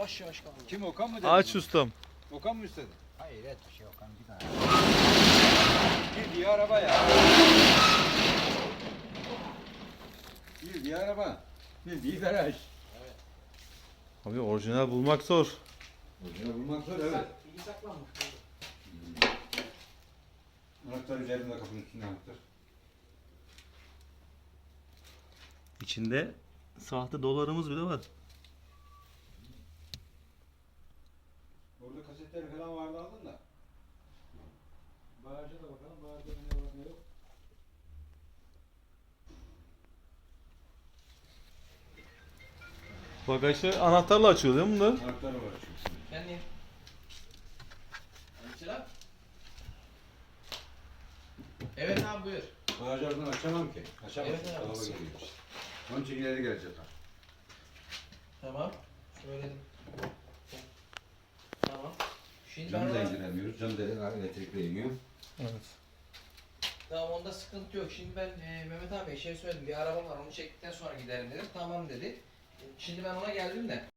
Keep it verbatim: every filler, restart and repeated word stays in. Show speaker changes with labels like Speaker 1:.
Speaker 1: yavaş yavaş kaldı.
Speaker 2: Kim Okan mı dedi?
Speaker 3: Aç ustam.
Speaker 2: Okan mı istedi?
Speaker 1: Hayır et bir şey Okan bir daha.
Speaker 2: Bildiği araba ya. Bildiği araba. Bildiği garaj.
Speaker 3: Abi orijinal bulmak zor.
Speaker 2: Orijinal bulmak zor evet.
Speaker 1: İyi saklanmış.
Speaker 2: Anahtar üzerinde kapının üstünde anahtar.
Speaker 3: İçinde sahte dolarımız bile var.
Speaker 2: Orada kasetler falan vardı aldın da. Bağırca da bakalım. Bağırca ne var ne yok.
Speaker 3: Bagajı anahtarla açıyor değil mi bunlar?
Speaker 2: Anahtarı var çünkü.
Speaker 1: Ben neyim? Mesela? Evet abi buyur.
Speaker 2: Bağırcı oradan açamam ki. Açamam.
Speaker 1: Evet, evet.
Speaker 2: Dolaba geliyor. Onun için ileri gelecek.
Speaker 1: Tamam. Söyledim. Tamam. Şimdi ben
Speaker 2: Camı da
Speaker 1: ona...
Speaker 2: indiremiyoruz. Cam da elektrikle iniyor.
Speaker 3: Evet.
Speaker 1: Tamam onda sıkıntı yok. Şimdi ben e, Mehmet abi şey söyledim. Bir araba var onu çektikten sonra giderim dedim. Tamam dedi. Şimdi ben ona geldim de.